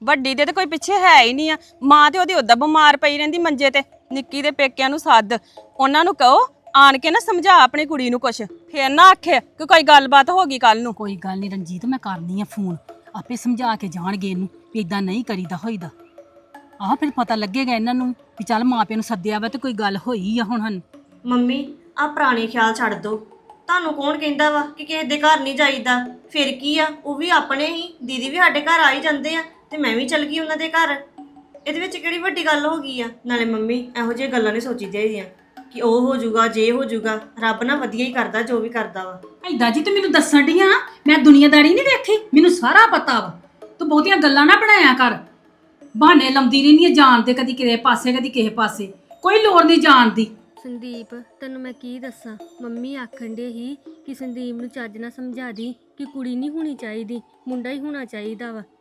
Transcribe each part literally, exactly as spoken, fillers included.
ਵੱਡੀ ਦੇ ਤੇ ਕੋਈ ਪਿੱਛੇ ਹੈ ਹੀ ਨਹੀਂ ਆ। ਮਾਂ ਤੇ ਉਹਦੀ ਉਦਾਂ ਬਿਮਾਰ ਪਈ ਰਹਿੰਦੀ ਮੰਜੇ ਤੇ। ਨਿੱਕੀ ਦੇ ਪੇਕਿਆਂ ਨੂੰ ਸੱਦ, ਉਹਨਾਂ ਨੂੰ ਕਹੋ ਆਣ ਕੇ ਨਾ ਸਮਝਾ ਆਪਣੀ ਕੁੜੀ ਨੂੰ ਕੁਛ, ਫੇਰ ਨਾ ਆਖੇ ਕਿ ਕੋਈ ਗੱਲਬਾਤ ਹੋ ਗਈ ਕੱਲ ਨੂੰ। ਕੋਈ ਗੱਲ ਨਹੀਂ ਰਣਜੀਤ, ਮੈਂ ਕਰਨੀ ਆ ਫੋਨ, ਆਪੇ ਸਮਝਾ ਕੇ ਜਾਣਗੇ ਇਹਨੂੰ ਵੀ ਇਦਾਂ ਨਹੀਂ ਕਰੀਦਾ ਹੋਈਦਾ। ਆਹ ਫਿਰ ਪਤਾ ਲੱਗੇਗਾ ਇਹਨਾਂ ਨੂੰ ਵੀ ਚੱਲ ਮਾਪਿਆਂ ਨੂੰ ਸੱਦਿਆ ਵਾ ਤੇ ਕੋਈ ਗੱਲ ਹੋਈ ਆ। ਹੁਣ ਹਨ ਮੰਮੀ ਆ ਪੁਰਾਣੇ ਖਿਆਲ ਛੱਡ ਦੋ। ਤੁਹਾਨੂੰ ਕੌਣ ਕਹਿੰਦਾ ਵਾ ਕਿ ਕਿਸੇ ਦੇ ਘਰ ਨਹੀਂ ਜਾਈਦਾ? ਫਿਰ ਕੀ ਆ, ਉਹ ਵੀ ਆਪਣੇ ਹੀ, ਦੀਦੀ ਵੀ ਸਾਡੇ ਘਰ ਆ ਹੀ ਜਾਂਦੇ ਆ ਤੇ ਮੈਂ ਵੀ ਚਲ ਗਈ ਉਹਨਾਂ ਦੇ ਘਰ। ਇਹਦੇ ਵਿੱਚ ਕਿਹੜੀ ਵੱਡੀ ਗੱਲ ਹੋ ਗਈ ਆ? ਨਾਲੇ ਮੰਮੀ ਇਹੋ ਜਿਹੀਆਂ ਗੱਲਾਂ ਨਹੀਂ ਸੋਚੀ ਚਾਹੀਦੀਆਂ ਕਿ ਉਹ ਹੋ ਜਾਊਗਾ ਜੇ ਹੋ ਜਾਊਗਾ। ਰੱਬ ਨਾ ਵਧੀਆ ਹੀ ਕਰਦਾ ਜੋ ਵੀ ਕਰਦਾ ਵਾ। ਐਦਾਂ ਜੀ ਤੂੰ ਮੈਨੂੰ ਦੱਸਣ ਡਈ ਆ, ਮੈਂ ਦੁਨੀਆਦਾਰੀ ਨਹੀਂ ਵੇਖੀ, ਮੈਨੂੰ ਸਾਰਾ ਪਤਾ ਵਾ। ਤੂੰ ਬਹੁਤੀਆਂ ਗੱਲਾਂ ਨਾ ਬਣਾਇਆ ਕਰ, ਬਹਾਨੇ ਲਾਉਂਦੀ ਰਹਿੰਦੀ ਆ ਜਾਣ ਦੇ, ਕਦੀ ਕਿਸੇ ਪਾਸੇ ਕਦੀ ਕਿਸੇ ਪਾਸੇ, ਕੋਈ ਲੋੜ ਨਹੀਂ ਜਾਣ ਦੀ। ਸੰਦੀਪ ਤੈਨੂੰ ਮੈਂ ਕੀ ਦੱਸਾਂ, ਮੰਮੀ ਆਖਣ ਦੇ ਹੀ ਕਿ ਸੰਦੀਪ ਨੂੰ ਚੱਜ ਨਾਲ ਸਮਝਾ ਦੀ ਕਿ ਕੁੜੀ ਨਹੀਂ ਹੋਣੀ ਚਾਹੀਦੀ, ਮੁੰਡਾ ਹੀ ਹੋਣਾ ਚਾਹੀਦਾ ਵਾ।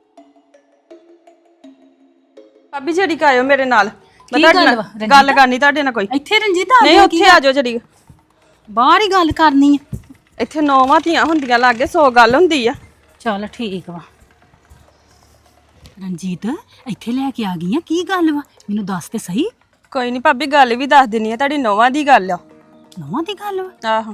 ਭਾਬੀ ਜੜੀ ਕਾਇਓ ਮੇਰੇ ਨਾਲ, ਮੈਂ ਕੀ ਤੁਹਾਡੇ ਗੱਲ ਨਾਲ ਵਾ, ਰਣਜੀਤ? ਗੱਲ ਕਰਨੀ ਤੁਹਾਡੇ ਨਾਲ ਕੋਈ। ਇੱਥੇ ਰਣਜੀਤ ਆ ਨਹੀਂ ਗਿਆ ਉੱਥੇ ਆ ਜਾਓ ਜੜੀ, ਬਾਹਰ ਹੀ ਗੱਲ ਕਰਨੀ ਆ। ਇੱਥੇ ਨੌਵਾਂ ਧੀਆਂ ਹੁੰਦੀਆਂ ਲਾਗੇ ਸੌ ਗੱਲ ਹੁੰਦੀ ਆ। ਚੱਲ ਠੀਕ ਵਾ। ਰਣਜੀਤ ਇੱਥੇ ਲੈ ਕੇ ਆ ਗਈ ਆ, ਕੀ ਗੱਲ ਵਾ ਮੈਨੂੰ ਦੱਸ ਤੇ ਸਹੀ। ਕੋਈ ਨਹੀਂ ਭਾਬੀ, ਗੱਲ ਵੀ ਦੱਸ ਦਿੰਨੀ ਆ, ਤੁਹਾਡੀ ਨੌਵਾਂ ਦੀ ਗੱਲ ਆ। ਨੌਵਾਂ ਦੀ ਗੱਲ ਵਾ? ਆਹੋ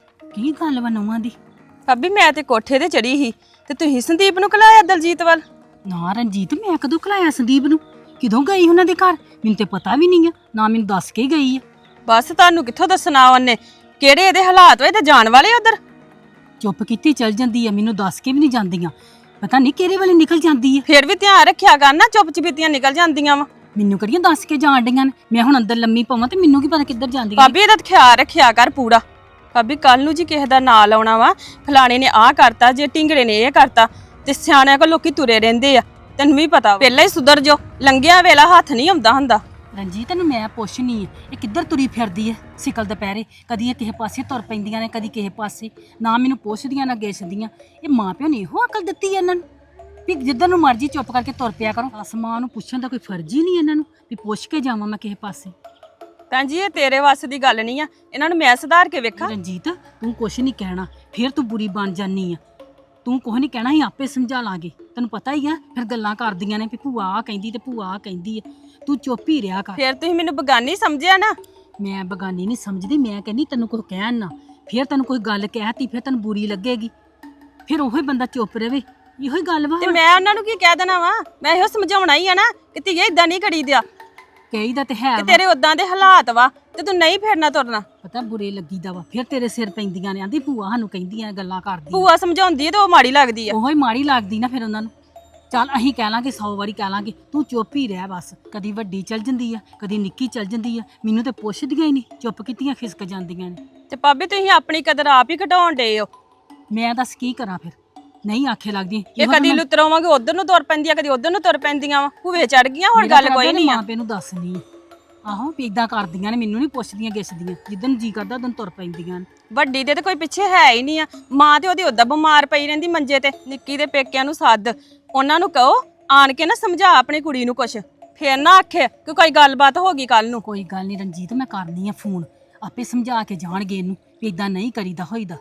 ਕੀ ਗੱਲ ਵਾ ਨੌਵਾਂ ਦੀ? ਭਾਬੀ ਮੈਂ ਤੇ ਕੋਠੇ ਤੇ ਚੜੀ ਸੀ ਤੇ ਤੁਸੀਂ ਸੰਦੀਪ ਨੂੰ ਕਲਾਇਆ ਦਲਜੀਤ ਵੱਲ। ਨਾ ਰਣਜੀਤ, ਮੈਂ ਕਦੋਂ ਖਲਾਇਆ ਸੰਦੀਪ ਨੂੰ? ਕਿਦੋਂ ਗਈ ਉਹਨਾਂ ਦੇ ਘਰ? ਮੈਨੂੰ ਤੇ ਪਤਾ ਵੀ ਨਹੀਂ ਆ, ਨਾ ਮੈਨੂੰ ਦੱਸ ਕੇ ਗਈ ਆ। ਬਸ ਤੁਹਾਨੂੰ ਕਿੱਥੋਂ ਦੱਸਣਾ ਉਹਨੇ, ਕਿਹੜੇ ਇਹਦੇ ਹਾਲਾਤ ਹੋਏ ਤੇ ਜਾਣ ਵਾਲੇ ਉਧਰ। ਚੁੱਪ ਕੀਤੀ ਚਲ ਜਾਂਦੀ ਆ, ਮੈਨੂੰ ਦੱਸ ਕੇ ਵੀ ਨਹੀਂ ਜਾਂਦੀਆਂ, ਪਤਾ ਨਹੀਂ ਕਿਹੜੇ ਵੇਲੇ ਨਿਕਲ ਜਾਂਦੀ ਆ। ਫੇਰ ਵੀ ਧਿਆਨ ਰੱਖਿਆ ਕਰ ਨਾ, ਚੁੱਪ ਚਪੀਤੀਆਂ ਨਿਕਲ ਜਾਂਦੀਆਂ ਵਾ। ਮੈਨੂੰ ਕਿਹੜੀਆਂ ਦੱਸ ਕੇ ਜਾਣ ਡੀਆਂ ਨੇ? ਮੈਂ ਹੁਣ ਅੰਦਰ ਲੰਮੀ ਪਵਾਂ ਤੇ ਮੈਨੂੰ ਕੀ ਪਤਾ ਕਿੱਧਰ ਜਾਂਦੀਆਂ। ਭਾਬੀ ਇਹਦਾ ਖਿਆਲ ਰੱਖਿਆ ਕਰ ਪੂਰਾ। ਭਾਬੀ ਕੱਲ ਨੂੰ ਜੀ ਕਿਸੇ ਦਾ ਨਾਂ ਲਾਉਣਾ ਵਾ, ਫਲਾਣੇ ਨੇ ਆਹ ਕਰਤਾ, ਜੇ ਢਿੰਗੜੇ ਨੇ ਇਹ ਕਰਤਾ, ਤੇ ਸਿਆਣਿਆਂ ਕੋਲ ਲੋਕੀ ਤੁਰੇ ਰਹਿੰਦੇ ਆ, ਤੈਨੂੰ ਵੀ ਪਤਾ। ਪਹਿਲਾਂ ਹੀ ਸੁਧਰ ਜੋ, ਲੰਘਿਆ ਵੇਲਾ ਹੱਥ ਨਹੀਂ ਆਉਂਦਾ ਹੁੰਦਾ। ਰਣਜੀਤ ਤੈਨੂੰ ਮੈਂ ਪੁੱਛਣੀ ਆ, ਇਹ ਕਿੱਧਰ ਤੁਰੀ ਫਿਰਦੀ ਐ ਸਿਕਲ ਦੁਪਹਿਰੇ? ਕਦੀ ਇਹ ਕਿਸੇ ਪਾਸੇ ਤੁਰ ਪੈਂਦੀਆਂ ਨੇ, ਕਦੀ ਕਿਸੇ ਪਾਸੇ, ਨਾ ਮੈਨੂੰ ਪੁੱਛਦੀਆਂ ਨਾ ਗਿੱਛਦੀਆਂ। ਇਹ ਮਾਂ ਪਿਓ ਨੇ ਇਹੋ ਅਕਲ ਦਿੱਤੀ ਇਹਨਾਂ ਨੂੰ ਵੀ ਜਿੱਧਰ ਨੂੰ ਮਰਜ਼ੀ ਚੁੱਪ ਕਰਕੇ ਤੁਰ ਪਿਆ ਕਰੋ। ਅਸਮਾਂ ਨੂੰ ਪੁੱਛਣ ਦਾ ਕੋਈ ਫਰਜ਼ ਹੀ ਨਹੀਂ ਇਹਨਾਂ ਨੂੰ ਵੀ ਪੁੱਛ ਕੇ ਜਾਵਾਂ ਮੈਂ ਕਿਸੇ ਪਾਸੇ। ਭੈਣ ਜੀ ਇਹ ਤੇਰੇ ਵੱਸ ਦੀ ਗੱਲ ਨਹੀਂ ਆ, ਇਹਨਾਂ ਨੂੰ ਮੈਂ ਸੁਧਾਰ ਕੇ ਵੇਖਾਂ। ਰਣਜੀਤ ਤੂੰ ਕੁਛ ਨਹੀਂ ਕਹਿਣਾ, ਫਿਰ ਤੂੰ ਬੁਰੀ ਬਣ ਜਾਨੀ ਆ। ਤੂੰ ਕੁਛ ਨਹੀਂ ਕਹਿਣਾ, ਅਸੀਂ ਆਪੇ ਸਮਝਾ ਲਾਂਗੇ। ਤੈਨੂੰ ਪਤਾ ਹੀ ਆ ਫਿਰ ਗੱਲਾਂ ਕਰਦੀਆਂ ਨੇ ਵੀ ਭੂਆ ਆ ਕਹਿੰਦੀ ਤੇ ਭੂਆ ਆ ਕਹਿੰਦੀ ਆ। ਤੂੰ ਚੁੱਪ ਹੀ ਰਿਹਾ ਕਰ। ਫਿਰ ਤੁਸੀਂ ਮੈਨੂੰ ਬਗਾਨੀ ਸਮਝਿਆ ਨਾ। ਮੈਂ ਬਗਾਨੀ ਨਹੀਂ ਸਮਝਦੀ, ਮੈਂ ਕਹਿੰਦੀ ਤੈਨੂੰ ਕੁਝ ਕਹਿਣ ਨਾ, ਫਿਰ ਤੈਨੂੰ ਕੋਈ ਗੱਲ ਕਹਿਤੀ ਫਿਰ ਤੈਨੂੰ ਬੁਰੀ ਲੱਗੇਗੀ, ਫਿਰ ਉਹੀ ਬੰਦਾ ਚੁੱਪ ਰਵੇ। ਇਹੋ ਹੀ ਗੱਲ ਵਾ। ਤੇ ਮੈਂ ਉਹਨਾਂ ਨੂੰ ਕੀ ਕਹਿ ਦੇਣਾ ਵਾ? ਮੈਂ ਇਹੋ ਸਮਝਾਉਣਾ ਹੀ ਆ ਨਾ ਕਿ ਧੀਏ ਇਦਾਂ ਨਹੀਂ ਕਰੀ ਦਿਆ, ਕਹੀਦਾ ਤੇ ਹੈ ਕਿ ਵਾ। ਤੇਰੇ ਉਦਾਂ ਦੇ ਹਾਲਾਤ ਵਾ ਤੇ ਤੂੰ ਨਹੀਂ ਫਿਰਨਾ ਤੁਰਨਾ। ਪਤਾ ਬੁਰੇ ਲੱਗੀਦਾ ਵਾ, ਫਿਰ ਤੇਰੇ ਸਿਰ ਪੈਂਦੀਆਂ ਨੇ, ਆਂਦੀ ਭੂਆ ਸਾਨੂੰ ਕਹਿੰਦੀਆਂ ਗੱਲਾਂ ਕਰਦੀ। ਭੂਆ ਸਮਝਾਉਂਦੀ ਹੈ ਤੇ ਉਹ ਮਾੜੀ ਲੱਗਦੀ ਆ। ਉਹੋ ਹੀ ਮਾੜੀ ਲੱਗਦੀ ਨਾ ਫਿਰ ਉਹਨਾਂ ਨੂੰ। ਚੱਲ ਅਸੀਂ ਕਹਿ ਲਾਂਗੇ, ਸੌ ਵਾਰੀ ਕਹਿ ਲਾਂਗੇ, ਤੂੰ ਚੁੱਪ ਹੀ ਰਹਿ ਬਸ। ਕਦੀ ਵੱਡੀ ਚੱਲ ਜਾਂਦੀ ਆ, ਕਦੀ ਨਿੱਕੀ ਚੱਲ ਜਾਂਦੀ ਆ, ਮੈਨੂੰ ਤੇ ਪੁੱਛਦੀਆਂ ਹੀ ਨਹੀਂ, ਚੁੱਪ ਕੀਤੀਆਂ ਖਿਸਕ ਜਾਂਦੀਆਂ ਨੇ। ਤੇ ਭਾਬੀ ਤੁਸੀਂ ਆਪਣੀ ਕਦਰ ਆਪ ਹੀ ਘਟਾਉਣ ਡੇ ਹੋ। ਮੈਂ ਦੱਸ ਕੀ ਕਰਾਂ ਫਿਰ? ਨਹੀਂ ਆਖੇ ਲੱਗਦੀ। ਇਹ ਕਦੀ ਲੁਤਰੋਵਾਂਗੇ ਉਧਰ ਨੂੰ ਤੁਰ ਪੈਂਦੀਆਂ, ਕਦੀ ਉਧਰ ਨੂੰ ਤੁਰ ਪੈਂਦੀਆਂ ਵਾ, ਭੂਵੇ ਚੜ ਗਈਆਂ। ਹੁਣ ਗੱਲ ਕੋਈ ਨਹੀਂ ਆ। ਮਾਂ ਪਿਓ ਨੂੰ ਦੱਸਣੀ ਆ। ਆਹੋ ਵੀ ਇਦਾਂ ਕਰਦੀਆਂ ਨੇ, ਮੈਨੂੰ ਨਹੀਂ ਪੁੱਛਦੀਆਂ ਗਿੱਛਦੀਆਂ, ਜਿੱਦਨ ਜੀ ਕਰਦਾ ਉਦੋਂ ਤੁਰ ਪੈਂਦੀਆਂ ਨੇ। ਵੱਡੀ ਦੇ ਤੇ ਕੋਈ ਪਿੱਛੇ ਹੈ ਹੀ ਨਹੀਂ ਆ। ਮਾਂ ਤੇ ਉਹਦੀ ਉਦਾਂ ਬਿਮਾਰ ਪਈ ਰਹਿੰਦੀ ਮੰਜੇ ਤੇ। ਨਿੱਕੀ ਦੇ ਪੇਕਿਆਂ ਨੂੰ ਸੱਦ, ਉਹਨਾਂ ਨੂੰ ਕਹੋ ਆਣ ਕੇ ਨਾ ਸਮਝਾ ਆਪਣੀ ਕੁੜੀ ਨੂੰ ਕੁਛ, ਫੇਰ ਨਾ ਆਖੇ ਕਿ ਕੋਈ ਗੱਲਬਾਤ ਹੋ ਗਈ ਕੱਲ ਨੂੰ। ਕੋਈ ਗੱਲ ਨਹੀਂ ਰਣਜੀਤ, ਮੈਂ ਕਰਨੀ ਆ ਫੋਨ, ਆਪੇ ਸਮਝਾ ਕੇ ਜਾਣਗੇ ਇਹਨੂੰ ਵੀ ਇਦਾਂ ਨਹੀਂ ਕਰੀਦਾ ਹੋਈਦਾ।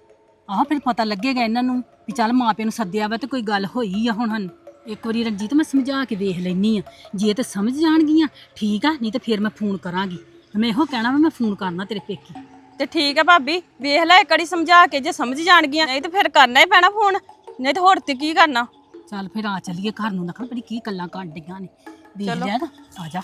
ਆਹ ਫਿਰ ਪਤਾ ਲੱਗੇਗਾ ਇਹਨਾਂ ਨੂੰ ਵੀ ਚੱਲ ਮਾਂ ਪਿਓ ਨੂੰ ਸੱਦਿਆ ਵਾ ਤੇ ਕੋਈ ਗੱਲ ਹੋਈ ਆ। ਹੁਣ ਹਨ ਇੱਕ ਵਾਰੀ ਰਣਜੀਤ ਮੈਂ ਸਮਝਾ ਕੇ ਵੇਖ ਲੈਣੀ ਆ, ਜੇ ਤੇ ਸਮਝ ਜਾਣਗੀਆਂ ਠੀਕ ਆ, ਨਹੀਂ ਤੇ ਫਿਰ ਮੈਂ ਫੋਨ ਕਰਾਂਗੀ। ਮੈਂ ਇਹੋ ਕਹਿਣਾ ਵਾ ਮੈਂ ਫੋਨ ਕਰਨਾ ਤੇਰੇ ਪੇਕੀ। ਤੇ ਠੀਕ ਆ ਭਾਬੀ, ਵੇਖ ਲੈ ਇੱਕ ਵਾਰੀ ਸਮਝਾ ਕੇ, ਜੇ ਸਮਝ ਜਾਣਗੀਆਂ, ਨਹੀਂ ਤੇ ਫਿਰ ਕਰਨਾ ਹੀ ਪੈਣਾ ਫੋਨ, ਨਹੀਂ ਤੇ ਹੋਰ ਤੇ ਕੀ ਕਰਨਾ। ਚੱਲ ਫਿਰ ਆ ਚੱਲੀਏ ਘਰ ਨੂੰ, ਨਖਣ ਬੜੀ ਕੀ ਗੱਲਾਂ ਕਾਂਡੀਆਂ ਨੇ। ਦੇਖ ਲਿਆ ਤਾਂ ਆ ਜਾ।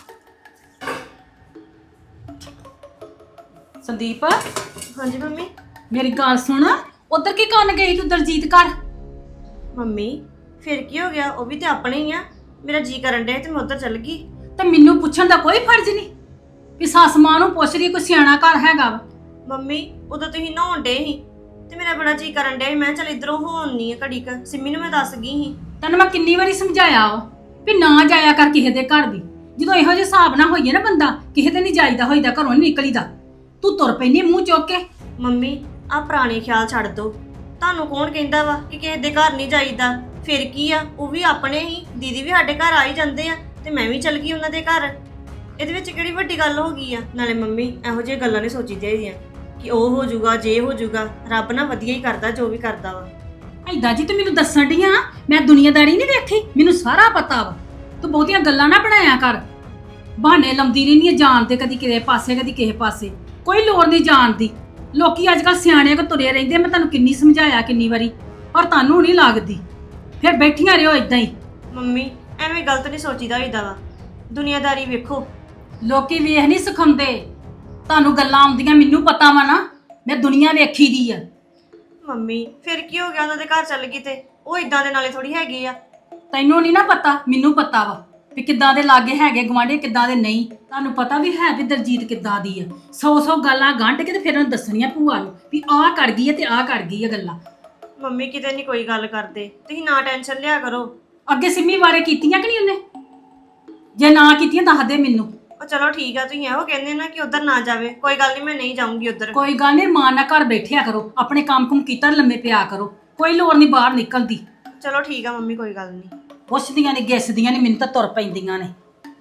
ਸੰਦੀਪ ਹਾਂਜੀ ਮੰਮੀ। ਮੇਰੀ ਗੱਲ ਸੁਣ, ਉਧਰ ਕੀ ਕਰਨ ਗਈ ਤੂੰ ਦਲਜੀਤ ਘਰ? ਮੰਮੀ ਫਿਰ ਕੀ ਹੋ ਗਿਆ? ਉਹ ਵੀ ਤੇ ਆਪਣੇ ਹੀ ਆ। ਮੇਰਾ ਜੀ ਕਰਨ ਡਿਆ ਤੇ ਮੈਂ ਉੱਧਰ ਚੱਲ ਗਈ। ਤੇ ਮੈਨੂੰ ਪੁੱਛਣ ਦਾ ਕੋਈ ਫਰਜ਼ ਨਹੀਂ ਵੀ ਸੱਸ ਮਾਂ ਨੂੰ ਪੁੱਛ ਰਹੀ ਕੋਈ ਸਿਆਣਾ ਘਰ ਹੈਗਾ ਵਾ। ਮੰਮੀ ਉਦੋਂ ਤੁਸੀਂ ਨਹਾਉਣ ਡੇ ਸੀ ਤੇ ਮੇਰਾ ਬੜਾ ਜੀ ਕਰਨ ਡਿਆ ਸੀ, ਮੈਂ ਚੱਲ ਇਧਰੋਂ ਹੋਣ ਨਹੀਂ ਆ ਘੜੀ ਕ। ਸਿੰਮੀ ਨੂੰ ਮੈਂ ਦੱਸ ਗਈ ਸੀ। ਤੈਨੂੰ ਮੈਂ ਕਿੰਨੀ ਵਾਰੀ ਸਮਝਾਇਆ ਵਾ ਵੀ ਨਾ ਜਾਇਆ ਕਰ ਕਿਸੇ ਦੇ ਘਰ ਵੀ। ਜਦੋਂ ਇਹੋ ਜਿਹੇ ਹਿਸਾਬ ਨਾਲ ਹੋਈਏ ਨਾ ਬੰਦਾ, ਕਿਸੇ ਤੇ ਨਹੀਂ ਜਾਈਦਾ ਹੋਈਦਾ, ਘਰੋਂ ਨਹੀਂ ਨਿਕਲੀਦਾ। ਤੂੰ ਤੁਰ ਪੈਂਦੀ ਮੂੰਹ ਚੁੱਕ ਕੇ। ਮੰਮੀ ਆ ਪੁਰਾਣੇ ਖਿਆਲ ਛੱਡ ਦੋ। ਤੁਹਾਨੂੰ ਕੌਣ ਕਹਿੰਦਾ ਵਾ ਕਿ ਕਿਸੇ ਦੇ ਘਰ ਨਹੀਂ ਜਾਈਦਾ? ਫਿਰ ਕੀ ਆ, ਉਹ ਵੀ ਆਪਣੇ ਹੀ, ਦੀਦੀ ਵੀ ਸਾਡੇ ਘਰ ਆ ਹੀ ਜਾਂਦੇ ਆ ਤੇ ਮੈਂ ਵੀ ਚਲ ਗਈ ਉਹਨਾਂ ਦੇ ਘਰ। ਇਹਦੇ ਵਿੱਚ ਕਿਹੜੀ ਵੱਡੀ ਗੱਲ ਹੋ ਗਈ ਆ? ਨਾਲੇ ਮੰਮੀ ਇਹੋ ਜਿਹੀਆਂ ਗੱਲਾਂ ਨਹੀਂ ਸੋਚੀ ਚਾਹੀਦੀਆਂ ਕਿ ਉਹ ਹੋ ਜਾਊਗਾ ਜੇ ਹੋ ਜਾਊਗਾ। ਰੱਬ ਨਾ ਵਧੀਆ ਹੀ ਕਰਦਾ ਜੋ ਵੀ ਕਰਦਾ ਵਾ। ਐਦਾਂ ਜੀ ਤੂੰ ਮੈਨੂੰ ਦੱਸਣ ਡੀਆਂ ਮੈਂ ਦੁਨੀਆਦਾਰੀ ਨਹੀਂ ਵੇਖੀ, ਮੈਨੂੰ ਸਾਰਾ ਪਤਾ ਵਾ। ਤੂੰ ਬਹੁਤੀਆਂ ਗੱਲਾਂ ਨਾ ਬਣਾਇਆ ਕਰ, ਬਹਾਨੇ ਲਾਉਂਦੀ ਰਹਿੰਦੀ ਆ ਜਾਣ ਤੇ, ਕਦੀ ਕਿਸੇ ਪਾਸੇ ਕਦੀ ਕਿਸੇ ਪਾਸੇ, ਕੋਈ ਲੋੜ ਨਹੀਂ ਜਾਣ ਦੀ। ਲੋਕੀ ਅੱਜ ਕੱਲ ਸਿਆਣਿਆਂ ਕੋ ਤੁਰੇ ਰਹਿੰਦੇ, ਮੈਂ ਤੁਹਾਨੂੰ ਕਿੰਨੀ ਸਮਝਾਇਆ ਕਿੰਨੀ ਵਾਰੀ, ਪਰ ਤੁਹਾਨੂੰ ਨਹੀਂ ਲੱਗਦੀ। ਫਿਰ ਬੈਠੀਆਂ ਰਹੋ ਇਦਾਂ ਹੀ। ਮੰਮੀ ਐਵੇਂ ਗਲਤ ਨਹੀਂ ਸੋਚੀਦਾ ਹੋਈਦਾ ਵਾ, ਦੁਨੀਆਦਾਰੀ ਵੇਖੋ। ਲੋਕੀ ਵੇਖ ਨਹੀਂ ਸਿਖਾਉਂਦੇ, ਤੁਹਾਨੂੰ ਗੱਲਾਂ ਆਉਂਦੀਆਂ, ਮੈਨੂੰ ਪਤਾ ਵਾ ਨਾ, ਮੈਂ ਦੁਨੀਆ ਵੇਖੀ ਦੀ ਆ। ਮੰਮੀ ਫਿਰ ਕੀ ਹੋ ਗਿਆ, ਉਹਨਾਂ ਦੇ ਘਰ ਚੱਲ ਗਈ ਤੇ ਉਹ ਇਦਾਂ ਦੇ ਨਾਲੇ ਥੋੜੀ ਹੈਗੀ ਆ। ਤੈਨੂੰ ਨਹੀਂ ਨਾ ਪਤਾ, ਮੈਨੂੰ ਪਤਾ ਵਾ ਵੀ ਕਿੱਦਾਂ ਦੇ ਲਾਗੇ ਹੈਗੇ ਗਵਾਂਢੀ, ਕਿੱਦਾਂ ਦੇ ਨਹੀਂ। ਤੁਹਾਨੂੰ ਪਤਾ ਵੀ ਹੈ ਵੀ ਦਲਜੀਤ ਕਿੱਦਾਂ ਦੀ ਆ। ਸੌ ਸੌ ਗੱਲਾਂ ਗੰਢ ਕੇ ਤੇ ਫਿਰ ਉਹਨੂੰ ਦੱਸਣੀਆਂ ਭੂਆ ਨੂੰ ਵੀ ਆਹ ਕਰ ਗਈ ਹੈ ਤੇ ਆਹ ਕਰ ਗਈ ਹੈ ਗੱਲਾਂ। ਮੰਮੀ ਕਿਤੇ ਨਹੀਂ ਕੋਈ ਗੱਲ ਕਰਦੇ, ਤੁਸੀਂ ਨਾ ਟੈਨਸ਼ਨ ਲਿਆ ਕਰੋ। ਅੱਗੇ ਸਿੰਮੀ ਬਾਰੇ ਕੀਤੀਆਂ ਕਿ ਨਹੀਂ ਉਹਨੇ? ਜੇ ਨਾ ਕੀਤੀਆਂ ਦੱਸ ਦੇ ਮੈਨੂੰ। ਉਹ ਚਲੋ ਠੀਕ ਆ, ਤੁਸੀਂ ਇਹੋ ਕਹਿੰਦੇ ਨਾ ਕਿ ਉਧਰ ਨਾ ਜਾਵੇ, ਕੋਈ ਗੱਲ ਨਹੀਂ, ਮੈਂ ਨਹੀਂ ਜਾਊਂਗੀ ਉਧਰ। ਕੋਈ ਗੱਲ ਨਹੀਂ, ਮਾਂ ਨਾਲ ਘਰ ਬੈਠਿਆ ਕਰੋ, ਆਪਣੇ ਕੰਮ ਕੁਮ ਕੀਤਾ ਲੰਮੇ ਪਿਆ ਕਰੋ, ਕੋਈ ਲੋੜ ਨਹੀਂ ਬਾਹਰ ਨਿਕਲਦੀ। ਚਲੋ ਠੀਕ ਆ ਮੰਮੀ, ਕੋਈ ਗੱਲ ਨਹੀਂ। ਪੁੱਛਦੀਆਂ ਨੇ ਗਿੱਸਦੀਆਂ ਨੇ, ਮੈਨੂੰ ਤਾਂ ਤੁਰ ਪੈਂਦੀਆਂ ਨੇ।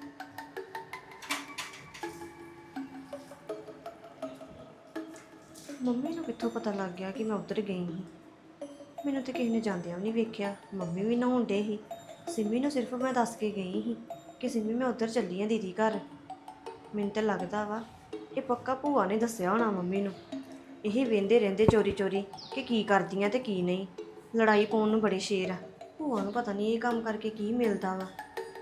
ਮੰਮੀ ਨੂੰ ਕਿੱਥੋਂ ਪਤਾ ਲੱਗ ਗਿਆ ਕਿ ਮੈਂ ਉੱਧਰ ਗਈ ਸੀ? ਮੈਨੂੰ ਤੇ ਕਿਸੇ ਨੇ ਜਾਂਦਿਆਂ ਵੀ ਨਹੀਂ ਵੇਖਿਆ। ਮੰਮੀ ਵੀ ਨਹਾਉਣ ਡੇ ਸੀ, ਸਿੰਮੀ ਨੂੰ ਸਿਰਫ ਮੈਂ ਦੱਸ ਕੇ ਗਈ ਸੀ ਕਿ ਸਿੰਮੀ ਮੈਂ ਉੱਧਰ ਚੱਲੀ ਆ ਦੀਦੀ ਘਰ। ਮੈਨੂੰ ਤਾਂ ਲੱਗਦਾ ਵਾ ਇਹ ਪੱਕਾ ਭੂਆ ਨੇ ਦੱਸਿਆ ਹੋਣਾ ਮੰਮੀ ਨੂੰ। ਇਹ ਵੇਂਦੇ ਰਹਿੰਦੇ ਚੋਰੀ ਚੋਰੀ ਕਿ ਕੀ ਕਰਦੀਆਂ ਤੇ ਕੀ ਨਹੀਂ। ਲੜਾਈ ਪਾਉਣ ਨੂੰ ਬੜੇ ਸ਼ੇਰ ਆ। ਭੂਆ ਨੂੰ ਪਤਾ ਨਹੀਂ ਇਹ ਕੰਮ ਕਰਕੇ ਕੀ ਮਿਲਦਾ ਵਾ।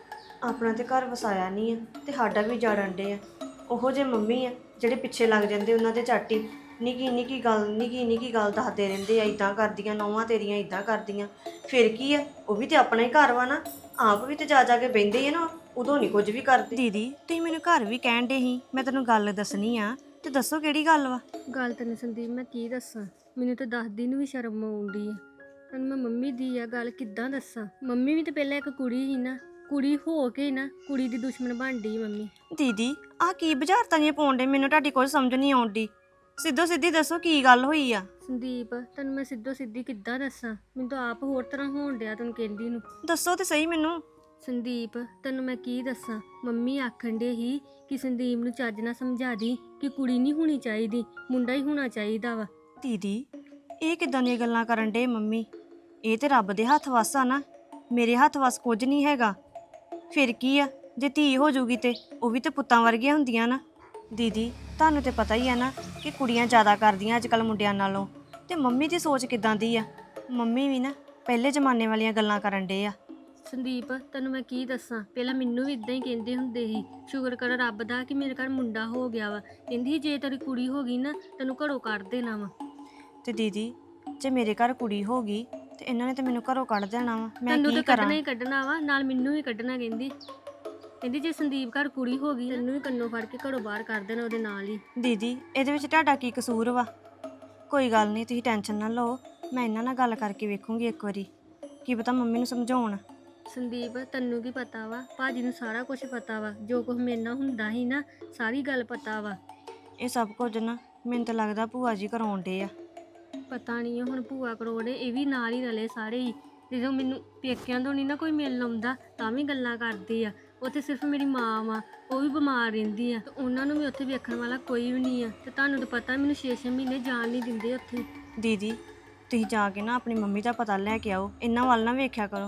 ਆਪਣਾ ਤੇ ਘਰ ਵਸਾਇਆ ਨਹੀਂ ਆ ਤੇ ਸਾਡਾ ਵੀ ਜਾੜਨ ਡੇ ਆ। ਉਹੋ ਜਿਹੇ ਮੰਮੀ ਆ ਜਿਹੜੇ ਪਿੱਛੇ ਲੱਗ ਜਾਂਦੇ, ਉਹਨਾਂ ਦੇ ਝਾਟੀ ਨਿੱਕੀ ਨਿੱਕੀ ਗੱਲ ਨਿੱਕੀ ਨਿੱਕੀ ਗੱਲ ਦੱਸਦੇ ਰਹਿੰਦੇ ਆ, ਇੱਦਾਂ ਕਰਦੀਆਂ ਨੌਵਾਂ ਤੇਰੀਆਂ, ਇੱਦਾਂ ਕਰਦੀਆਂ। ਫਿਰ ਕੀ ਆ, ਉਹ ਵੀ ਤੇ ਆਪਣਾ ਹੀ ਘਰ ਵਾ ਨਾ, ਆਪ ਵੀ ਤੇ ਜਾ ਜਾ ਕੇ ਬਹਿੰਦੇ ਆ ਨਾ, ਉਦੋਂ ਨਹੀਂ ਕੁਝ ਵੀ ਕਰਦੇ। ਦੀਦੀ ਤੁਸੀਂ ਮੈਨੂੰ ਘਰ ਵੀ ਕਹਿਣ ਡੇ ਸੀ, ਮੈਂ ਤੈਨੂੰ ਗੱਲ ਦੱਸਣੀ ਆ, ਤੇ ਦੱਸੋ ਕਿਹੜੀ ਗੱਲ ਵਾ? ਗੱਲ ਤੈਨੂੰ ਸੰਦੀਪ ਮੈਂ ਕੀ ਦੱਸਾਂ, ਮੈਨੂੰ ਤਾਂ ਦੱਸਦੀ ਨੂੰ ਵੀ ਸ਼ਰਮ ਆਉਂਦੀ ਆ। ਤੈਨੂੰ ਮੈਂ ਮੰਮੀ ਦੀ ਆ ਗੱਲ ਕਿੱਦਾਂ ਦੱਸਾਂ? ਮੰਮੀ ਵੀ ਤਾਂ ਪਹਿਲਾਂ ਇੱਕ ਕੁੜੀ ਸੀ ਨਾ, ਕੁੜੀ ਹੋ ਕੇ ਨਾ ਕੁੜੀ ਦੀ ਦੁਸ਼ਮਣ ਬਣਦੀ ਮੰਮੀ। ਦੀਦੀ ਆਹ ਕੀ ਬੁਝਾਰਤਾਂ ਜਿਹੀਆਂ ਪਾਉਣ ਡੇ, ਮੈਨੂੰ ਤੁਹਾਡੀ ਕੋਈ ਸਮਝ ਨਹੀਂ ਆਉਂਦੀ। ਸਿੱਧੋ ਸਿੱਧੀ ਦੱਸੋ ਕੀ ਗੱਲ ਹੋਈ ਆ? ਸੰਦੀਪ ਤੈਨੂੰ ਮੈਂ ਸਿੱਧੋ ਸਿੱਧੀ ਕਿੱਦਾਂ ਦੱਸਾਂ, ਮੈਨੂੰ ਤਾਂ ਆਪ ਹੋਰ ਤਰ੍ਹਾਂ ਹੋਣ ਡਿਆ ਤੈਨੂੰ ਕਹਿੰਦੀ ਨੂੰ। ਦੱਸੋ ਤੇ ਸਹੀ ਮੈਨੂੰ। ਸੰਦੀਪ ਤੈਨੂੰ ਮੈਂ ਕੀ ਦੱਸਾਂ, ਮੰਮੀ ਆਖਣ ਡੇ ਹੀ ਕਿ ਸੰਦੀਪ ਨੂੰ ਚੱਜ ਨਾਲ ਸਮਝਾ ਦੀ ਕਿ ਕੁੜੀ ਨਹੀਂ ਹੋਣੀ ਚਾਹੀਦੀ, ਮੁੰਡਾ ਹੀ ਹੋਣਾ ਚਾਹੀਦਾ ਵਾ। ਦੀਦੀ ਇਹ ਕਿੱਦਾਂ ਦੀਆਂ ਗੱਲਾਂ ਕਰਨ ਡੇ ਮੰਮੀ? ਇਹ ਤੇ ਰੱਬ ਦੇ ਹੱਥ ਵੱਸ ਆ ਨਾ, ਮੇਰੇ ਹੱਥ ਵੱਸ ਕੁਝ ਨਹੀਂ ਹੈਗਾ। ਫਿਰ ਕੀ ਆ, ਜੇ ਧੀ ਹੋ ਜੂਗੀ ਤੇ ਉਹ ਵੀ ਤੇ ਪੁੱਤਾਂ ਵਰਗੀਆਂ ਹੁੰਦੀਆਂ ਨਾ। ਦੀਦੀ ਤੁਹਾਨੂੰ ਤੇ ਪਤਾ ਹੀ ਆ ਨਾ ਕਿ ਕੁੜੀਆਂ ਜ਼ਿਆਦਾ ਕਰਦੀਆਂ ਅੱਜ ਕੱਲ੍ਹ ਮੁੰਡਿਆਂ ਨਾਲੋਂ। ਤੇ ਮੰਮੀ ਦੀ ਸੋਚ ਕਿੱਦਾਂ ਦੀ ਆ? ਮੰਮੀ ਵੀ ਨਾ ਪਹਿਲੇ ਜ਼ਮਾਨੇ ਵਾਲੀਆਂ ਗੱਲਾਂ ਕਰਨ ਡੇ ਆ। ਸੰਦੀਪ ਤੈਨੂੰ ਮੈਂ ਕੀ ਦੱਸਾਂ, ਪਹਿਲਾਂ ਮੈਨੂੰ ਵੀ ਇਦਾਂ ਹੀ ਕਹਿੰਦੇ ਹੁੰਦੇ ਸੀ, ਸ਼ੁਕਰ ਕਰ ਰੱਬ ਦਾ ਕਿ ਮੇਰੇ ਘਰ ਮੁੰਡਾ ਹੋ ਗਿਆ ਵਾ। ਕਹਿੰਦੀ ਜੇ ਤੇਰੀ ਕੁੜੀ ਹੋ ਗਈ ਨਾ ਤੈਨੂੰ ਘਰੋਂ ਕੱਢ ਦੇਣਾ ਵਾ। ਤੇ ਦੀਦੀ ਜੇ ਮੇਰੇ ਘਰ ਕੁੜੀ ਹੋ ਗਈ ਤੇ ਇਹਨਾਂ ਨੇ ਤੇ ਮੈਨੂੰ ਘਰੋਂ ਕੱਢ ਦੇਣਾ ਵਾ, ਮੈਂ ਤੈਨੂੰ ਕੀ ਤਾਂ ਕਰਾਂ? ਕੱਢਣਾ ਹੀ ਕੱਢਣਾ ਵਾ, ਨਾਲ ਮੈਨੂੰ ਵੀ ਕੱਢਣਾ। ਕਹਿੰਦੀ ਕਹਿੰਦੀ ਜੇ ਸੰਦੀਪ ਘਰ ਕੁੜੀ ਹੋ ਗਈ ਤੈਨੂੰ ਵੀ ਕੰਨੋਂ ਫੜ ਕੇ ਘਰੋਂ ਬਾਹਰ ਕਰ ਦੇਣਾ ਉਹਦੇ ਨਾਲ ਹੀ। ਦੀਦੀ ਇਹਦੇ ਵਿੱਚ ਤੁਹਾਡਾ ਕੀ ਕਸੂਰ ਵਾ? ਕੋਈ ਗੱਲ ਨਹੀਂ, ਤੁਸੀਂ ਟੈਨਸ਼ਨ ਨਾ ਲਓ, ਮੈਂ ਇਹਨਾਂ ਨਾਲ ਗੱਲ ਕਰਕੇ ਵੇਖੂੰਗੀ ਇੱਕ ਵਾਰੀ, ਕੀ ਪਤਾ ਮੰਮੀ ਨੂੰ ਸਮਝਾਉਣ। ਸੰਦੀਪ ਤੈਨੂੰ ਕੀ ਪਤਾ ਵਾ, ਭਾਜੀ ਨੂੰ ਸਾਰਾ ਕੁਝ ਪਤਾ ਵਾ, ਜੋ ਕੁਝ ਮੇਰੇ ਨਾਲ ਹੁੰਦਾ ਸੀ ਨਾ ਸਾਰੀ ਗੱਲ ਪਤਾ ਵਾ। ਇਹ ਸਭ ਕੁਝ ਨਾ ਮੈਨੂੰ ਤਾਂ ਲੱਗਦਾ ਭੂਆ ਜੀ ਕਰਾਉਣ ਡੇ ਆ। ਪਤਾ ਨਹੀਂ ਹੁਣ ਭੂਆ ਕਰੋੜੇ ਇਹ ਵੀ ਨਾਲ ਹੀ ਰਲੇ ਸਾਰੇ ਹੀ। ਜਦੋਂ ਮੈਨੂੰ ਪੇਕਿਆਂ ਤੋਂ ਨਹੀਂ ਨਾ ਕੋਈ ਮਿਲਣ ਆਉਂਦਾ ਤਾਂ ਵੀ ਗੱਲਾਂ ਕਰਦੇ ਆ। ਉੱਥੇ ਸਿਰਫ ਮੇਰੀ ਮਾਂ ਵਾ, ਉਹ ਵੀ ਬਿਮਾਰ ਰਹਿੰਦੀ ਆ, ਤੇ ਉਹਨਾਂ ਨੂੰ ਵੀ ਉੱਥੇ ਵੇਖਣ ਵਾਲਾ ਕੋਈ ਵੀ ਨਹੀਂ ਆ। ਤੇ ਤੁਹਾਨੂੰ ਤਾਂ ਪਤਾ ਮੈਨੂੰ ਛੇ ਛੇ ਮਹੀਨੇ ਜਾਣ ਨਹੀਂ ਦਿੰਦੇ ਉੱਥੇ। ਦੀਦੀ ਤੁਸੀਂ ਜਾ ਕੇ ਨਾ ਆਪਣੀ ਮੰਮੀ ਦਾ ਪਤਾ ਲੈ ਕੇ ਆਓ, ਇਹਨਾਂ ਵੱਲ ਨਾ ਵੇਖਿਆ ਕਰੋ।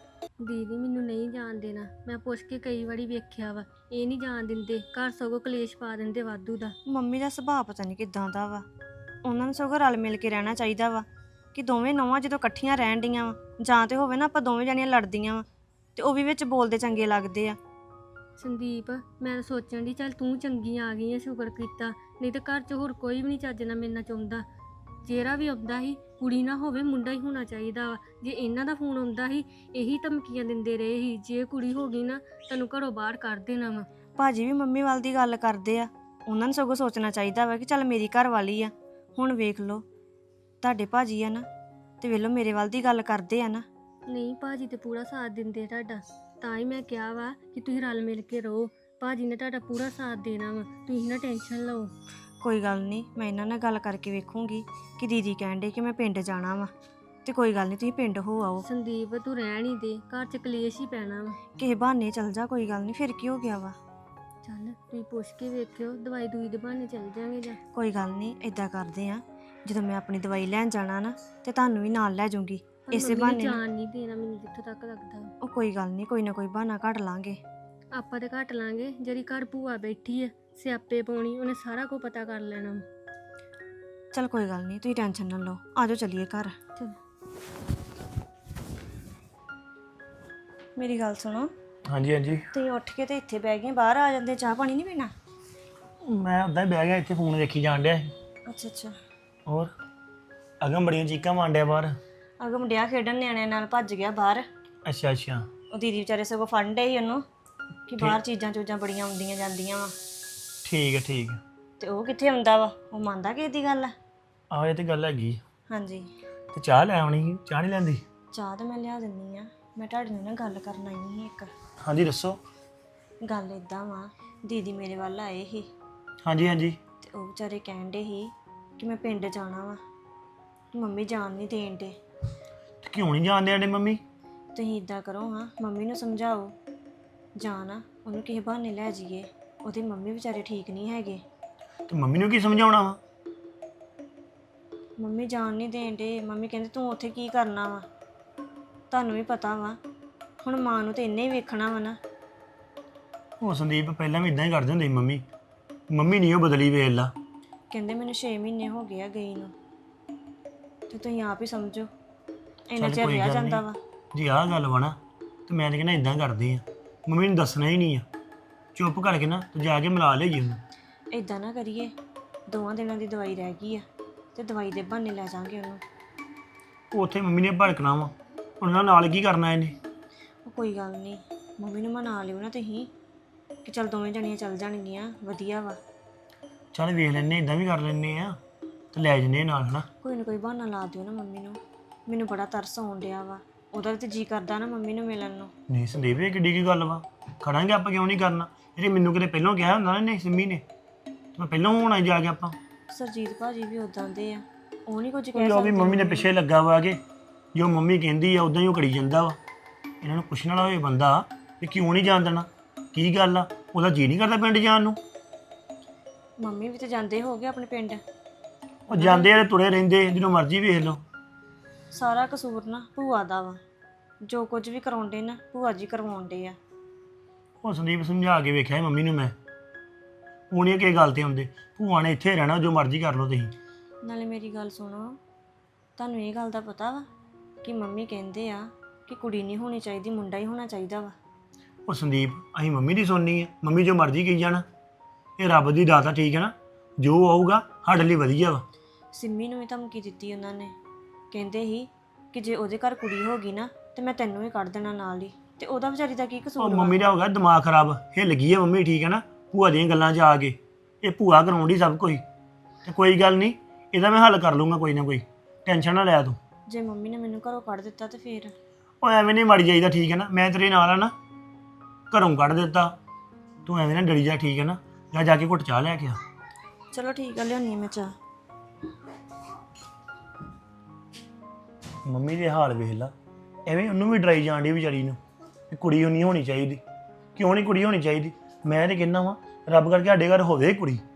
ਦੀਦੀ ਮੈਨੂੰ ਨਹੀਂ ਜਾਣ ਦੇਣਾ, ਮੈਂ ਪੁੱਛ ਕੇ ਕਈ ਵਾਰੀ ਵੇਖਿਆ ਵਾ, ਇਹ ਨਹੀਂ ਜਾਣ ਦਿੰਦੇ, ਘਰ ਸਗੋਂ ਕਲੇਸ਼ ਪਾ ਦਿੰਦੇ ਵਾਧੂ ਦਾ। ਮੰਮੀ ਦਾ ਸੁਭਾਅ ਪਤਾ ਨਹੀਂ ਕਿੱਦਾਂ ਦਾ ਵਾ। ਉਹਨਾਂ ਨੂੰ ਸਗੋਂ ਰਲ ਮਿਲ ਕੇ ਰਹਿਣਾ ਚਾਹੀਦਾ ਵਾ, ਕਿ ਦੋਵੇਂ ਨੌਵਾਂ ਜਦੋਂ ਇਕੱਠੀਆਂ ਰਹਿਣ ਡੀਆਂ ਵਾ, ਜਾਂ ਤੇ ਹੋਵੇ ਨਾ ਆਪਾਂ ਦੋਵੇਂ ਜਣੀਆਂ ਲੜਦੀਆਂ ਵਾ ਤੇ ਉਹ ਵੀ ਵਿੱਚ ਬੋਲਦੇ ਚੰਗੇ ਲੱਗਦੇ ਆ। ਸੰਦੀਪ ਮੈਂ ਤਾਂ ਸੋਚਣ ਦੀ ਚੱਲ ਤੂੰ ਚੰਗੀ ਆ ਗਈ ਆ, ਸ਼ੁਕਰ ਕੀਤਾ, ਨਹੀਂ ਤੇ ਘਰ 'ਚ ਹੋਰ ਕੋਈ ਵੀ ਨਹੀਂ ਚੱਜ ਨਾਲ ਮੇਰੇ ਨਾਲ ਚਾਹੁੰਦਾ। ਜਿਹੜਾ ਵੀ ਆਉਂਦਾ ਸੀ ਕੁੜੀ ਨਾ ਹੋਵੇ ਮੁੰਡਾ ਹੀ ਹੋਣਾ ਚਾਹੀਦਾ ਵਾ। ਜੇ ਇਹਨਾਂ ਦਾ ਫੋਨ ਆਉਂਦਾ ਸੀ ਇਹੀ ਧਮਕੀਆਂ ਦਿੰਦੇ ਰਹੇ ਸੀ, ਜੇ ਕੁੜੀ ਹੋ ਗਈ ਨਾ ਤੈਨੂੰ ਘਰੋਂ ਬਾਹਰ ਕਰ ਦੇਣਾ ਵਾ। ਭਾਜੀ ਵੀ ਮੰਮੀ ਵੱਲ ਦੀ ਗੱਲ ਕਰਦੇ ਆ, ਉਹਨਾਂ ਨੂੰ ਸਗੋਂ ਸੋਚਣਾ ਚਾਹੀਦਾ ਵਾ ਕਿ ਚੱਲ ਮੇਰੀ ਘਰ ਵਾਲੀ ਆ। ਹੁਣ ਵੇਖ ਲਓ ਤੁਹਾਡੇ ਭਾਜੀ ਆ ਨਾ, ਤੇ ਵੇਖ ਲਓ ਮੇਰੇ ਵੱਲ ਦੀ ਗੱਲ ਕਰਦੇ ਆ ਨਾ। ਨਹੀਂ ਭਾਜੀ ਤੇ ਪੂਰਾ ਸਾਥ ਦਿੰਦੇ ਤੁਹਾਡਾ, ਤਾਂ ਹੀ ਮੈਂ ਕਿਹਾ ਵਾ ਕਿ ਤੁਸੀਂ ਰਲ ਮਿਲ ਕੇ ਰਹੋ। ਭਾਜੀ ਨੇ ਤੁਹਾਡਾ ਪੂਰਾ ਸਾਥ ਦੇਣਾ ਵਾ, ਤੁਸੀਂ ਨਾ ਟੈਨਸ਼ਨ ਲਓ। ਕੋਈ ਗੱਲ ਨਹੀਂ, ਮੈਂ ਇਹਨਾਂ ਨਾਲ ਗੱਲ ਕਰਕੇ ਵੇਖੂੰਗੀ ਕਿ ਦੀਦੀ ਕਹਿਣ ਡੇ ਕਿ ਮੈਂ ਪਿੰਡ ਜਾਣਾ ਵਾ, ਤੇ ਕੋਈ ਗੱਲ ਨਹੀਂ ਤੁਸੀਂ ਪਿੰਡ ਹੋ ਆਓ। ਸੰਦੀਪ ਤੂੰ ਰਹਿਣ ਹੀ ਦੇ, ਘਰ 'ਚ ਕਲੇਸ਼ ਹੀ ਪੈਣਾ ਵਾ। ਕਿਸੇ ਬਹਾਨੇ ਚੱਲ ਜਾ, ਕੋਈ ਗੱਲ ਨਹੀਂ, ਫਿਰ ਕੀ ਹੋ ਗਿਆ ਵਾ। ਚੱਲ ਤੁਸੀਂ ਪੁੱਛ ਕੇ ਵੇਖਿਓ, ਦਵਾਈ ਦੂਈ ਦੇ ਬਹਾਨੇ ਚੱਲ ਜਾਂਗੇ ਜਾਂ। ਕੋਈ ਗੱਲ ਨਹੀਂ, ਇਦਾਂ ਕਰਦੇ ਆ, ਜਦੋਂ ਮੈਂ ਆਪਣੀ ਦਵਾਈ ਲੈਣ ਜਾਣਾ ਨਾ ਤੇ ਤੁਹਾਨੂੰ ਵੀ ਨਾਲ ਲੈ ਜਾਊਂਗੀ, ਪਰ ਇਸੇ ਮੰਮੀ ਬਹਾਨੇ ਨੇ ਨਾ- ਜਾਣ ਨਹੀਂ ਦੇਣਾ ਮੈਨੂੰ ਜਿੱਥੋਂ ਤੱਕ ਲੱਗਦਾ। ਉਹ ਕੋਈ ਗੱਲ ਨਹੀਂ, ਕੋਈ ਨਾ ਕੋਈ ਬਹਾਨਾ ਕੱਢ ਲਾਂਗੇ। ਆਪਾਂ ਤੇ ਘੱਟ ਲਾਂਗੇ, ਜਿਹੜੀ ਘਰ ਭੂਆ ਬੈਠੀ ਆ ਸਿਆਪੇ ਪਾਉਣੀ, ਉਹਨੇ ਸਾਰਾ ਕੁਝ ਪਤਾ ਕਰ ਲੈਣਾ। ਚਲ ਕੋਈ ਗੱਲ ਨਹੀਂ, ਤੁਸੀਂ ਟੈਨਸ਼ਨ ਨਾ ਲਓ, ਆਜੋ ਚੱਲੀਏ ਘਰ। ਚਲ ਮੇਰੀ ਗੱਲ ਸੁਣੋ, ਹਾਂਜੀ ਹਾਂਜੀ ਤੁਸੀਂ ਉੱਠ ਕੇ ਤੇ ਇੱਥੇ ਬਹਿ ਗਏ, ਬਾਹਰ ਆ ਜਾਂਦੇ, ਚਾਹ ਪਾਣੀ ਨਹੀਂ ਪੀਣਾ? ਮੈਂ ਉੱਦਾਂ ਹੀ ਬਹਿ ਗਿਆ ਇੱਥੇ ਫੋਨ ਵੇਖੀ ਜਾਣ ਡਿਆ ਸੀ। ਅੱਛਾ ਅੱਛਾ। ਹੋਰ ਅਗਮ ਬੜੀਆਂ ਚੀਕਾਂ ਮਾਂਡਿਆ ਬਾਹਰ। ਅਗਮ ਮੁੰਡਿਆ ਖੇਡਣ ਨਿਆਣਿਆਂ ਨਾਲ ਭੱਜ ਗਿਆ ਬਾਹਰ। ਅੱਛਾ ਅੱਛਾ ਉਹ ਦੀਦੀ ਵਿਚਾਰੇ ਸਗੋਂ ਫੜਨ ਡੇ ਸੀ ਉਹਨੂੰ ਕਿ ਬਾਹਰ ਚੀਜ਼ਾਂ ਚੂਜ਼ਾਂ ਬੜੀਆਂ ਆਉਂਦੀਆਂ ਜਾਂਦੀਆਂ ਵਾ, ਠੀਕ ਹੈ ਠੀਕ ਹੈ। ਤੇ ਉਹ ਕਿੱਥੇ ਆਉਂਦਾ ਵਾ, ਉਹ ਮੰਨਦਾ ਕਿਸੇ ਦੀ ਗੱਲ ਆ? ਆਹ ਇਹ ਤੇ ਗੱਲ ਹੈਗੀ। ਹਾਂਜੀ। ਤੇ ਚਾਹ ਲੈ ਆਉਣੀ ਸੀ, ਚਾਹ ਨਹੀਂ ਲੈਂਦੀ? ਚਾਹ ਤਾਂ ਮੈਂ ਲਿਆ ਦਿੰਨੀ ਆ, ਮੈਂ ਤੁਹਾਡੇ ਨਾਲ ਨਾ ਗੱਲ ਕਰਨ ਆਈ ਸੀ ਇੱਕ। ਹਾਂਜੀ ਦੱਸੋ। ਗੱਲ ਇਦਾਂ ਵਾ, ਦੀਦੀ ਮੇਰੇ ਵੱਲ ਆਏ ਸੀ ਹਾਂਜੀ ਹਾਂਜੀ ਤੇ ਉਹ ਵਿਚਾਰੇ ਕਹਿਣ ਡੇ ਸੀ ਕਿ ਮੈਂ ਪਿੰਡ ਜਾਣਾ ਵਾ, ਮੰਮੀ ਜਾਣ ਨਹੀਂ ਦੇਣ ਡੇ। ਤੇ ਕਿਉਂ ਨਹੀਂ ਜਾਣ ਦੇਣੇ ਮੰਮੀ? ਤੁਸੀਂ ਇਦਾਂ ਕਰੋ ਹਾਂ, ਮੰਮੀ ਨੂੰ ਸਮਝਾਓ, ਜਾਣਾ ਉਹਨੂੰ ਕਿਸੇ ਬਹਾਨੇ ਲੈ ਜਾਈਏ, ਉਹਦੀ ਮੰਮੀ ਵਿਚਾਰੇ ਠੀਕ ਨਹੀਂ ਹੈਗੇ। ਤੇ ਮੰਮੀ ਨੂੰ ਕੀ ਸਮਝਾਉਣਾ ਵਾ? ਮੰਮੀ ਜਾਣ ਨਹੀਂ ਦੇਣ ਡੇ, ਮੰਮੀ ਕਹਿੰਦੇ ਤੂੰ ਉੱਥੇ ਕੀ ਕਰਨਾ ਵਾ, ਤੁਹਾਨੂੰ ਵੀ ਪਤਾ ਵਾ ਹੁਣ ਮਾਂ ਨੂੰ ਤੇ ਇੰਨੇ ਹੀ ਵੇਖਣਾ ਵਾ ਨਾ। ਉਹ ਸੰਦੀਪ ਪਹਿਲਾਂ ਵੀ ਇਦਾਂ ਹੀ ਕਰਦੇ ਹੁੰਦੇ ਸੀ ਮੰਮੀ। ਮੰਮੀ ਨਹੀਂ ਉਹ ਬਦਲੀ, ਵੇਖ ਲਾ। ਕਹਿੰਦੇ ਮੈਨੂੰ ਛੇ ਮਹੀਨੇ ਹੋ ਗਏ ਆ ਗਈ ਨੂੰ, ਤੇ ਤੁਸੀਂ ਆਪ ਹੀ ਸਮਝੋ ਇੰਨਾ ਚਿਰ ਰਿਹਾ ਜਾਂਦਾ ਵਾ। ਜੀ ਆਹ ਗੱਲ ਵਾ ਨਾ, ਤੇ ਮੈਂ ਤਾਂ ਕਹਿੰਦਾ ਇਦਾਂ ਕਰਦੇ ਆ, ਮੰਮੀ ਨੂੰ ਦੱਸਣਾ ਹੀ ਨਹੀਂ ਆ, ਚੁੱਪ ਕਰਕੇ ਨਾ ਤੇ ਜਾ ਕੇ ਮਿਲਾ ਲਿਆਈਏ ਉਹਨੂੰ। ਇਦਾਂ ਨਾ ਕਰੀਏ, ਦੋਵਾਂ ਦਿਨਾਂ ਦੀ ਦਵਾਈ ਰਹਿ ਗਈ ਆ ਤੇ ਦਵਾਈ ਦੇ ਬਹਾਨੇ ਲੈ ਜਾਾਂਗੇ ਉਹਨੂੰ। ਉਹ ਉੱਥੇ ਮੰਮੀ ਨੇ ਭੜਕਣਾ ਵਾ, ਉਹਨਾਂ ਨਾਲ ਕੀ ਕਰਨਾ ਇਹਨੇ? ਉਹ ਕੋਈ ਗੱਲ ਨਹੀਂ, ਮੰਮੀ ਨੂੰ ਮਨਾ ਲਿਓ ਨਾ ਤੁਸੀਂ ਕਿ ਚੱਲ ਦੋਵੇਂ ਜਣੀਆਂ ਚੱਲ ਜਾਣਗੀਆਂ, ਵਧੀਆ ਵਾ। ਚੱਲ ਵੇਖ ਲੈਨੇ, ਇਦਾਂ ਵੀ ਕਰ ਲੈਨੇ ਆ ਤੇ ਲੈ ਜੰਨੇ ਨਾਲ ਹਨਾ। ਕੋਈ ਨਾ ਕੋਈ ਬਹਾਨਾ ਲਾ ਦਿਓ ਨਾ ਮੰਮੀ ਨੂੰ, ਮੈਨੂੰ ਬੜਾ ਤਰਸ ਆਉਣ ਡਿਆ ਵਾ, ਉਹਦਾ ਵੀ ਤੇ ਜੀ ਕਰਦਾ ਨਾ ਮੰਮੀ ਨੂੰ ਮਿਲਣ ਨੂੰ। ਨਹੀਂ ਸੰਦੀਪ, ਇਹ ਕਿੱਡੀ ਕੀ ਗੱਲ ਵਾ, ਖੜਾਂਗੇ ਆਪਾਂ, ਕਿਉਂ ਨਹੀਂ ਕਰਨਾ? ਇਹ ਮੈਨੂੰ ਕਿਤੇ ਪਹਿਲਾਂ ਕਿਹਾ ਹੁੰਦਾ ਨਾ ਨੇ ਸਿੰਮੀ ਨੇ, ਮੈਂ ਪਹਿਲਾਂ ਹੋਣਾ ਜਾ ਕੇ ਆਪਾਂ। ਸਰਜੀਤ ਭਾਜੀ ਵੀ ਉਦਾਂ ਦੇ ਆ, ਉਹ ਨਹੀਂ ਕੁਝ ਕਹਿ ਉਹ ਵੀ ਸਕਦੇ। ਮੰਮੀ ਦੇ ਪਿੱਛੇ ਲੱਗਾ ਵਾ ਕਿ ਜੋ ਮੰਮੀ ਕਹਿੰਦੀ ਆ ਉਦਾਂ ਹੀ ਉਹ ਕਰੀ ਜਾਂਦਾ ਵਾ। ਇਹਨਾਂ ਨੂੰ ਪੁੱਛਣ ਵਾਲਾ ਹੋਏ ਬੰਦਾ ਵੀ ਕਿਉਂ ਨਹੀਂ ਜਾਣ ਦੇਣਾ, ਕੀ ਗੱਲ ਆ? ਉਹਦਾ ਜੀ ਨਹੀਂ ਕਰਦਾ ਪਿੰਡ ਜਾਣ ਨੂੰ? ਮੰਮੀ ਵੀ ਤੇ ਜਾਂਦੇ ਹੋਗੇ ਆਪਣੇ ਪਿੰਡ। ਉਹ ਜਾਂਦੇ ਆ ਤੇ ਤੁਰੇ ਰਹਿੰਦੇ, ਜਦੋਂ ਮਰਜ਼ੀ ਵੇਖ ਲਓ। ਸਾਰਾ ਕਸੂਰ ਨਾ ਭੂਆ ਦਾ ਵਾ, ਜੋ ਕੁਝ ਵੀ ਕਰਾਉਂਦੇ ਨਾ ਭੂਆ ਜੀ ਕਰਵਾਉਂਦੇ ਆ। ਉਹ ਸੰਦੀਪ ਸਮਝਾ ਕੇ ਵੇਖਿਆ ਸੀ ਮੰਮੀ ਨੂੰ ਮੈਂ, ਉਹ ਨਹੀਂ ਕਿਸੇ ਗੱਲ ਤੇ ਆਉਂਦੇ। ਭੂਆ ਨੇ ਇੱਥੇ ਰਹਿਣਾ, ਜੋ ਮਰਜ਼ੀ ਕਰ ਲਓ ਤੁਸੀਂ। ਨਾਲੇ ਮੇਰੀ ਗੱਲ ਸੁਣੋ, ਤੁਹਾਨੂੰ ਇਹ ਗੱਲ ਦਾ ਪਤਾ ਵਾ ਕਿ ਮੰਮੀ ਕਹਿੰਦੇ ਆ ਕਿ ਕੁੜੀ ਨਹੀਂ ਹੋਣੀ ਚਾਹੀਦੀ, ਮੁੰਡਾ ਹੀ ਹੋਣਾ ਚਾਹੀਦਾ ਵਾ। ਉਹ ਸੰਦੀਪ, ਅਸੀਂ ਮੰਮੀ ਦੀ ਸੁਣਨੀ ਆ? ਮੰਮੀ ਜੋ ਮਰਜ਼ੀ ਕਹੀ ਜਾਣਾ, ਇਹ ਰੱਬ ਦੀ ਦਾਤ ਆ, ਠੀਕ ਹੈ ਨਾ? ਜੋ ਆਊਗਾ ਸਾਡੇ ਲਈ ਵਧੀਆ ਵਾ। ਸਿੰਮੀ ਨੂੰ ਵੀ ਧਮਕੀ ਦਿੱਤੀ ਉਹਨਾਂ ਨੇ, ਕਹਿੰਦੇ ਸੀ ਕਿ ਜੇ ਉਹਦੇ ਘਰ ਕੁੜੀ ਹੋ ਗਈ ਨਾ ਤੇ ਮੈਂ ਤੈਨੂੰ ਵੀ ਕੱਢ ਦੇਣਾ ਨਾਲ ਹੀ, ਤੇ ਉਹਦਾ ਵਿਚਾਰੀ ਦਾ ਕੀ ਉਹ ਕਸੂਰ ਵਾ? ਮੰਮੀ ਦਾ ਹੋ ਗਿਆ ਦਿਮਾਗ ਖਰਾਬ, ਹਿੱਲ ਗਈ ਹੈ ਮੰਮੀ, ਠੀਕ ਹੈ ਨਾ? ਭੂਆ ਦੀਆਂ ਗੱਲਾਂ 'ਚ ਆ ਕੇ ਇਹ ਭੂਆ ਕਰਾਉਂਦੀ ਸਭ ਕੁਝ। ਤੇ ਕੋਈ ਗੱਲ ਨਹੀਂ, ਇਹਦਾ ਮੈਂ ਹੱਲ ਕਰ ਲੂੰਗਾ ਕੋਈ ਨਾ ਕੋਈ, ਟੈਨਸ਼ਨ ਨਾ ਲੈ ਤੂੰ। ਜੇ ਮੰਮੀ ਨੇ ਮੈਨੂੰ ਘਰੋਂ ਕੱਢ ਦਿੱਤਾ ਤੇ ਫੇਰ? ਉਹ ਐਵੇਂ ਨਹੀਂ ਮਰ ਜਾਈਦਾ, ਠੀਕ ਹੈ ਨਾ? ਮੈਂ ਤੇਰੇ ਨਾਲ ਆ ਨਾ, ਘਰੋਂ ਕੱਢ ਦਿੱਤਾ, ਤੂੰ ਐਵੇਂ ਨਾ ਡਰੀ ਜਾ, ਠੀਕ ਹੈ ਨਾ? ਜਾ ਜਾ ਕੇ ਘੁੱਟ ਚਾਹ ਲੈ ਕੇ ਆ। ਚਲੋ ਠੀਕ ਆ, ਲਿਆਉਣੀ ਮੈਂ ਚਾਹ। ਮੰਮੀ ਦੇ ਹਾਲ ਵੇਖ ਲਾ, ਐਵੇਂ ਉਹਨੂੰ ਵੀ ਡਰਾਈ ਜਾਣ ਡਈ ਵਿਚਾਰੀ ਨੂੰ ਕਿ ਕੁੜੀ ਉਹ ਨਹੀਂ ਹੋਣੀ ਚਾਹੀਦੀ। ਕਿਉਂ ਨਹੀਂ ਕੁੜੀ ਹੋਣੀ ਚਾਹੀਦੀ? ਮੈਂ ਤੇ ਕਹਿੰਦਾ ਵਾਂ ਰੱਬ ਕਰਕੇ ਸਾਡੇ ਘਰ ਹੋਵੇ ਕੁੜੀ।